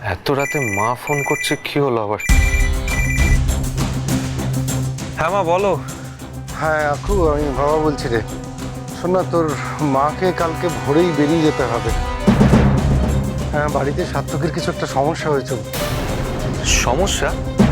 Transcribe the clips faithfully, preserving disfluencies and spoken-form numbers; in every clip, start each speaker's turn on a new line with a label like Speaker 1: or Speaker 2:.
Speaker 1: এত রাতে মা ফোন করছে, কি হলো আবার? হ্যাঁ মা, বলো।
Speaker 2: হ্যাঁ আকু, আমি বাবা বলছি রে। শোন না, তোর মাকে কালকে ভোরেই বেরিয়ে যেতে হবে। হ্যাঁ, বাড়িতে সার্থকের কিছু একটা সমস্যা হয়েছে।
Speaker 1: সমস্যা?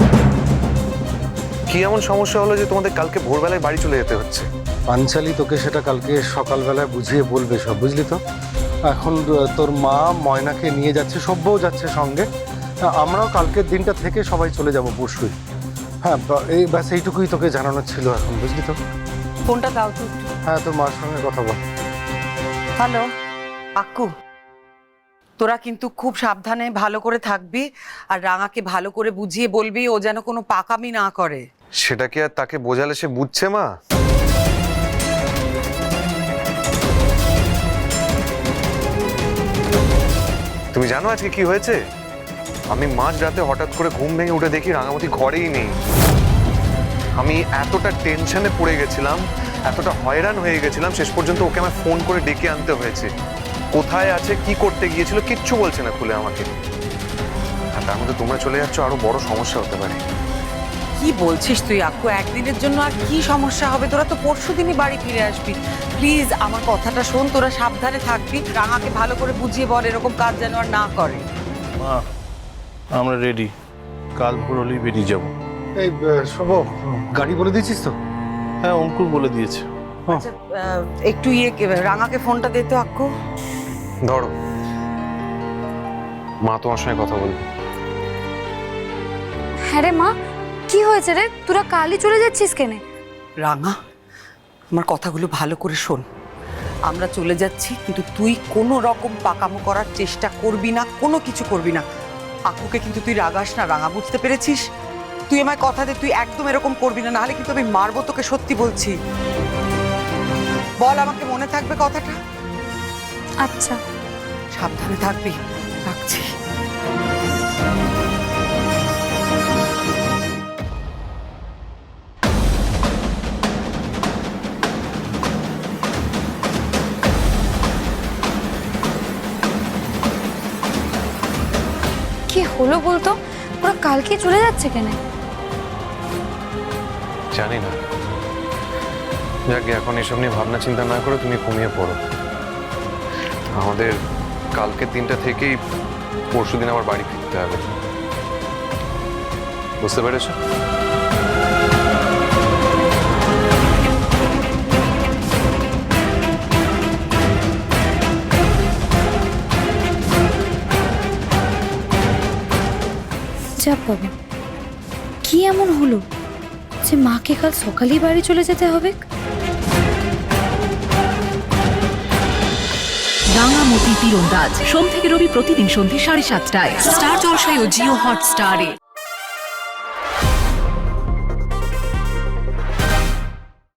Speaker 1: কি এমন সমস্যা হলো যে তোমাদের কালকে ভোরবেলায় বাড়ি চলে যেতে হচ্ছে?
Speaker 2: পাঞ্চালি তোকে সেটা কালকে সকালবেলায় বুঝিয়ে বলবে সব, বুঝলি তো? এখন তোর মা ময়নাকে নিয়ে যাচ্ছে, সব্যও যাচ্ছে সঙ্গে। আমরাও কালকের দিনটা থেকে সবাই চলে যাব পরশুই। হ্যাঁ, এই ব্যাস এইটুকুই তোকে জানানোর ছিল এখন, বুঝলি তো?
Speaker 3: ফোনটা দাও তো।
Speaker 2: হ্যাঁ, তোর মার সঙ্গে কথা বল।
Speaker 3: হ্যালো আক্কু, তোরা কিন্তু খুব সাবধানে ভালো করে থাকবি, আর রাঙাকে ভালো করে বুঝিয়ে বলবি ও যেন কোনো পাকামি না করে।
Speaker 1: সেটা কি আর তাকে বোঝালে সে বুঝছে মা? তুমি জানো আজকে কি হয়েছে? আমি মাঝ রাতে হঠাৎ করে ঘুম ভেঙে উঠে দেখি রাঙামতি ঘরেই নেই। আমি এতটা টেনশনে পড়ে গেছিলাম, এতটা হয়রান হয়ে গেছিলাম, শেষ পর্যন্ত ওকে আমার ফোন করে ডেকে আনতে হয়েছে। কোথায় আছে, কি করতে গিয়েছিল, কিচ্ছু বলছে না খুলে আমাকে। আর তার মধ্যে তোমরা চলে যাচ্ছ, আরো বড় সমস্যা হতে পারে।
Speaker 3: কি বলছিস তুই আক্কু? একদিনের জন্য আর কি সমস্যা হবে? তোরা তো পরশু দিনই বাড়ি ফিরে আসবি। প্লিজ আমার কথাটা শোন, তোরা সাবধানে থাকবি। রাঙাকে ভালো করে বুঝিয়ে বল এরকম কাজ যেন আর না করে।
Speaker 4: মা, আমরা রেডি, কাল ভোর হলেই বেরিয়ে যাব।
Speaker 2: এই শোভ, গাড়ি বলে দিয়েছিস তো?
Speaker 4: হ্যাঁ, অঙ্কুর বলে দিয়েছে।
Speaker 3: আচ্ছা, আহ, একটু ইয়ে রাঙাকে ফোনটা দে তো আক্কু।
Speaker 1: ধরো, মা তোমার সঙ্গে কথা বলবে।
Speaker 5: হ্যাঁ রে মা, কি হয়েছে রে? তোরা কালই চলে যাচ্ছিস কেনে?
Speaker 3: রাঙা, আমার কথাগুলো ভালো করে শোন। আমরা চলে যাচ্ছি, কিন্তু তুই কোনো রকম পাকামো করার চেষ্টা করবি না, কোনো কিছু করবি না। আকুকে কিন্তু তুই রাগাস না, রাঙা, বুঝতে পেরেছিস? তুই আমায় কথা দে, তুই একদম এরকম করবি না, নাহলে কিন্তু আমি মারবো তোকে, সত্যি বলছি। বল, আমাকে মনে থাকবে কথাটা?
Speaker 5: আচ্ছা।
Speaker 3: সাবধানে থাকবি, রাখছি।
Speaker 5: কি হলো বলতো? ওরা কালকে চলে যাচ্ছে কেনে?
Speaker 1: জানি না। যাক, এখন এসব নিয়ে ভাবনা চিন্তা না করে তুমি ঘুমিয়ে পড়ো। আমাদের কালকের দিনটা থেকেই পরশু দিন আবার বাড়ি ফিরতে হবে, বুঝতে পেরেছো?
Speaker 5: যা বাবা, কি এমন হলো যে মাকে কাল সকালেই বাড়ি চলে যেতে হবে?
Speaker 6: রাঙামতি তীরন্দাজ সোম থেকে রবি প্রতিদিন সন্ধ্যে সাড়ে সাতটায় স্টার জলসায় ও জিও হটস্টারে।